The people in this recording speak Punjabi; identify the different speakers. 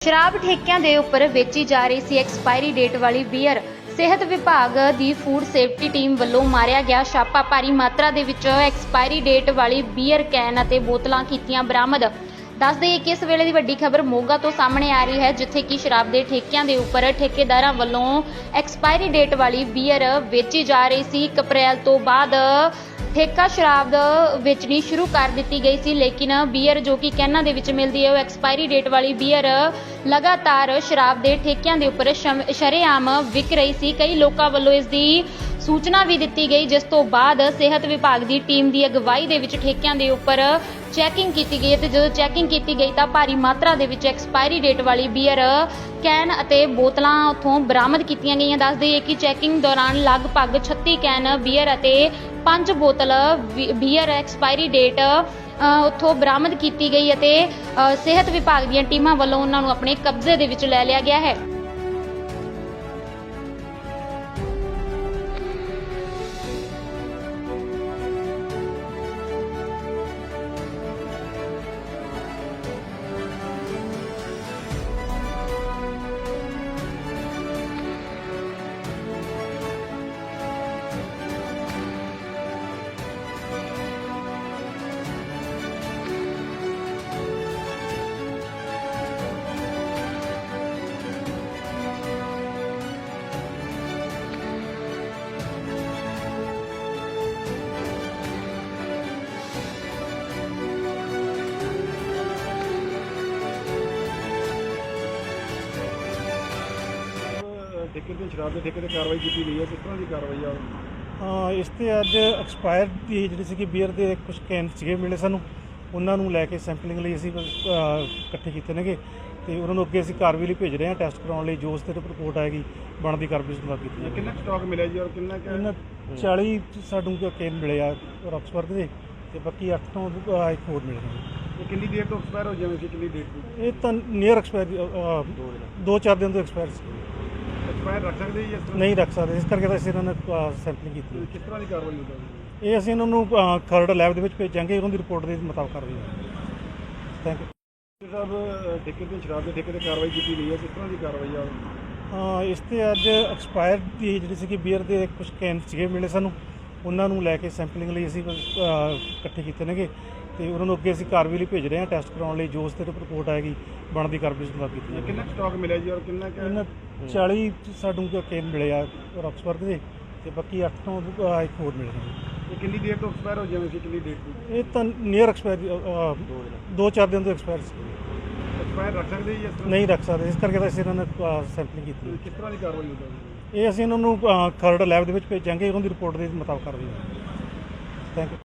Speaker 1: ਸ਼ਰਾਬ ਠੇਕਿਆਂ ਦੇ ਉੱਪਰ ਵੇਚੀ ਜਾ ਰਹੀ ਸੀ ਐਕਸਪਾਇਰੀ ਡੇਟ ਵਾਲੀ ਬੀਅਰ। ਸਿਹਤ ਵਿਭਾਗ ਦੀ ਫੂਡ ਸੇਫਟੀ ਟੀਮ ਵੱਲੋਂ ਮਾਰਿਆ ਗਿਆ ਛਾਪਾ। ਭਾਰੀ ਮਾਤਰਾ ਦੇ ਵਿੱਚ ਐਕਸਪਾਇਰੀ ਡੇਟ ਵਾਲੀ ਬੀਅਰ ਕੈਨ ਅਤੇ ਬੋਤਲਾਂ ਕੀਤੀਆਂ ਬਰਾਮਦ। ਦੱਸ ਦਈਏ ਕਿ ਇਸ ਵੇਲੇ ਦੀ ਵੱਡੀ ਖਬਰ ਮੋਗਾ ਤੋਂ ਸਾਹਮਣੇ ਆ ਰਹੀ ਹੈ, ਜਿੱਥੇ ਕਿ ਸ਼ਰਾਬ ਦੇ ਠੇਕਿਆਂ ਦੇ ਉੱਪਰ ਠੇਕੇਦਾਰਾਂ ਵੱਲੋਂ ਐਕਸਪਾਇਰੀ ਡੇਟ ਵਾਲੀ ਬੀਅਰ ਵੇਚੀ ਜਾ ਰਹੀ ਸੀ। 1 ਅਪ੍ਰੈਲ ਤੋਂ ਬਾਅਦ ਠੇਕਾ ਸ਼ਰਾਬ ਵੇਚਣੀ ਸ਼ੁਰੂ ਕਰ ਦਿੱਤੀ ਗਈ ਸੀ, ਲੇਕਿਨ ਬੀਅਰ ਜੋ ਕਿ ਕੈਨਾਂ ਦੇ ਵਿੱਚ ਮਿਲਦੀ ਹੈ, ਉਹ ਐਕਸਪਾਇਰੀ ਡੇਟ ਵਾਲੀ ਬੀਅਰ ਲਗਾਤਾਰ ਸ਼ਰਾਬ ਦੇ ਠੇਕਿਆਂ ਦੇ ਉੱਪਰ ਸ਼ਰੇਆਮ ਵਿਕ ਰਹੀ ਸੀ। ਕਈ ਲੋਕਾਂ ਵੱਲੋਂ ਇਸ ਦੀ ਸੂਚਨਾ ਵੀ ਦਿੱਤੀ ਗਈ, ਜਿਸ ਤੋਂ ਬਾਅਦ ਸਿਹਤ ਵਿਭਾਗ ਦੀ ਟੀਮ ਦੀ ਅਗਵਾਈ ਦੇ ਵਿੱਚ ਠੇਕਿਆਂ ਦੇ ਉੱਪਰ ਚੈਕਿੰਗ ਕੀਤੀ ਗਈ ਤੇ ਜਦੋਂ ਚੈਕਿੰਗ ਕੀਤੀ ਗਈ ਤਾਂ ਭਾਰੀ ਮਾਤਰਾ ਦੇ ਵਿੱਚ ਐਕਸਪਾਇਰੀ ਡੇਟ ਵਾਲੀ ਬੀਅਰ ਕੈਨ ਅਤੇ ਬੋਤਲਾਂ ਉੱਥੋਂ ਬਰਾਮਦ ਕੀਤੀਆਂ ਗਈਆਂ। ਦੱਸ ਦਈਏ ਕਿ ਚੈਕਿੰਗ ਦੌਰਾਨ ਲਗਭਗ 36 ਕੈਨ ਬੀਅਰ ਅਤੇ 5 ਬੋਤਲ ਬੀਅਰ ਐਕਸਪਾਇਰੀ ਡੇਟ ਉੱਥੋਂ ਬਰਾਮਦ ਕੀਤੀ ਗਈ ਅਤੇ ਸਿਹਤ ਵਿਭਾਗ ਦੀਆਂ ਟੀਮਾਂ ਵੱਲੋਂ ਉਹਨਾਂ ਨੂੰ ਆਪਣੇ ਕਬਜ਼ੇ ਦੇ ਵਿੱਚ ਲੈ ਲਿਆ ਗਿਆ ਹੈ।
Speaker 2: ਠੇਕੇ ਤੇ ਸ਼ਰਾਬ ਦੇ ਠੇਕੇ ਤੇ ਕਾਰਵਾਈ ਕੀਤੀ ਗਈ ਹੈ, ਕਿਸ ਤਰ੍ਹਾਂ ਦੀ ਕਾਰਵਾਈ ਆ?
Speaker 3: ਇਸ ਤੇ ਅੱਜ ਐਕਸਪਾਇਰ ਦੀ ਜਿਹੜੀ ਸੀਗੀ ਬੀਅਰ ਦੇ ਕੁਝ ਕੈਨ ਸੀਗੇ ਮਿਲੇ ਸਾਨੂੰ, ਉਹਨਾਂ ਨੂੰ ਲੈ ਕੇ ਸੈਂਪਲਿੰਗ ਲਈ ਅਸੀਂ ਇਕੱਠੇ ਕੀਤੇ ਨੇਗੇ ਤੇ ਉਹਨਾਂ ਨੂੰ ਅੱਗੇ ਅਸੀਂ ਕਾਰਵਾਈ ਲਈ ਭੇਜ ਰਹੇ ਹਾਂ ਟੈਸਟ ਕਰਾਉਣ ਲਈ। ਜੋ ਉਸ ਤੇ ਰਿਪੋਰਟ ਆਏਗੀ ਬਣਦੀ ਕਾਰਵਾਈ ਸੁਣਾ ਕੀਤੀ ਹੈ।
Speaker 2: ਕਿੰਨਾ ਸਟਾਕ ਮਿਲਿਆ ਜੀ ਔਰ ਕਿੰਨਾ
Speaker 3: ਇਹਨਾਂ 40 ਸਾਨੂੰ ਕੈਨ ਮਿਲੇ ਆ ਆਕਸਫੋਰਡ ਦੇ ਤੇ ਬਾਕੀ 8 ਤੋਂ ਇੱਕ ਹੋਰ ਮਿਲੇ ਨੇ।
Speaker 2: ਕਿੰਨੀ ਦੇਰ ਤੋਂ ਐਕਸਪਾਇਰ ਹੋ ਜਾਵੇ ਸੀ, ਕਿੰਨੀ ਡੇਟ ਤੋਂ?
Speaker 3: ਇਹ ਤਾਂ ਨੀਅਰ ਐਕਸਪਾਇਰ 2-4 ਦਿਨ ਤੋਂ ਐਕਸਪਾਇਰ ਸੀ।
Speaker 2: ਐਕਸਪਾਇਰ ਰੱਖ ਸਕਦੇ ਜੀ ਇਸ ਤਰ੍ਹਾਂ?
Speaker 3: ਨਹੀਂ ਰੱਖ ਸਕਦੇ, ਇਸ ਕਰਕੇ ਤਾਂ ਅਸੀਂ ਇਹਨਾਂ ਨੇ ਸੈਂਪਲਿੰਗ ਕੀਤੀ।
Speaker 2: ਕਿਸ ਤਰ੍ਹਾਂ ਦੀ ਕਾਰਵਾਈ ਹੋਊਗੀ?
Speaker 3: ਇਹ ਅਸੀਂ ਇਹਨਾਂ ਨੂੰ ਖਰੜ ਲੈਬ ਦੇ ਵਿੱਚ ਭੇਜਾਂਗੇ, ਉਹਨਾਂ ਦੀ ਰਿਪੋਰਟ ਦੇ ਮੁਤਾਬਕ ਕਾਰਵਾਈ ਹੋਵੇਗੀ। ਥੈਂਕ ਯੂ
Speaker 2: ਸਾਹਿਬ, ਠੇਕੇ ਤੇ ਸ਼ਰਾਬ ਦੇ ਠੇਕੇ ਤੇ ਕਾਰਵਾਈ ਕੀਤੀ ਗਈ ਹੈ, ਕਿਸ ਤਰ੍ਹਾਂ ਦੀ ਕਾਰਵਾਈ ਆ?
Speaker 3: ਇਸ ਤੇ ਅੱਜ ਐਕਸਪਾਇਰ ਦੀ ਜਿਹੜੀ ਸੀਗੀ ਬੀਅਰ ਦੇ ਕੁਝ ਕੈਨ ਸੀਗੇ ਮਿਲੇ ਸਾਨੂੰ, ਉਹਨਾਂ ਨੂੰ ਲੈ ਕੇ ਸੈਂਪਲਿੰਗ ਲਈ ਅਸੀਂ ਇਕੱਠੇ ਕੀਤੇ ਨੇਗੇ ਤੇ ਉਹਨਾਂ ਨੂੰ ਅੱਗੇ ਅਸੀਂ ਕਾਰਵਾਈ ਲਈ ਭੇਜ ਰਹੇ ਹਾਂ ਟੈਸਟ ਕਰਾਉਣ ਲਈ। ਜੋ ਉਸ ਤੇ ਰਿਪੋਰਟ ਆਏਗੀ ਬਣਦੀ ਕਾਰਵਾਈ ਸੁਣਾ ਕੀਤੀ ਹੈ।
Speaker 2: ਕਿੰਨਾ ਸਟਾਕ ਮਿਲਿਆ ਜੀ ਔਰ ਕਿੰਨਾ
Speaker 3: ਇਹਨਾਂ 40 ਸਾਨੂੰ ਕੈਨ ਮਿਲੇ ਆ ਆਕਸਫੋਰਡ ਦੇ ਤੇ ਬਾਕੀ 8 ਤੋਂ ਇੱਕ ਹੋਰ ਮਿਲੇ ਨੇ।
Speaker 2: ਕਿੰਨੀ ਦੇਰ ਤੋਂ ਐਕਸਪਾਇਰ ਹੋ ਜਾਵੇ ਸੀ, ਕਿੰਨੀ ਡੇਟ ਤੋਂ?
Speaker 3: ਇਹ ਤਾਂ ਨੀਅਰ ਐਕਸਪਾਇਰ 2-4 ਦਿਨ ਤੋਂ ਐਕਸਪਾਇਰ ਸੀ।
Speaker 2: ਐਕਸਪਾਇਰ ਰੱਖ ਸਕਦੇ ਜੀ ਇਸ ਤਰ੍ਹਾਂ?
Speaker 3: ਨਹੀਂ ਰੱਖ ਸਕਦੇ, ਇਸ ਕਰਕੇ ਤਾਂ ਅਸੀਂ ਇਹਨਾਂ ਨੇ ਸੈਂਪਲਿੰਗ ਕੀਤੀ।
Speaker 2: ਕਿਸ ਤਰ੍ਹਾਂ ਦੀ ਕਾਰਵਾਈ ਹੋਊਗੀ?
Speaker 3: ਇਹ ਅਸੀਂ ਇਹਨਾਂ ਨੂੰ ਖਰੜ ਲੈਬ ਦੇ ਵਿੱਚ ਭੇਜਾਂਗੇ, ਉਹਨਾਂ ਦੀ ਰਿਪੋਰਟ ਦੇ ਮੁਤਾਬਕ ਕਾਰਵਾਈ ਹੋਵੇਗੀ। Thank you.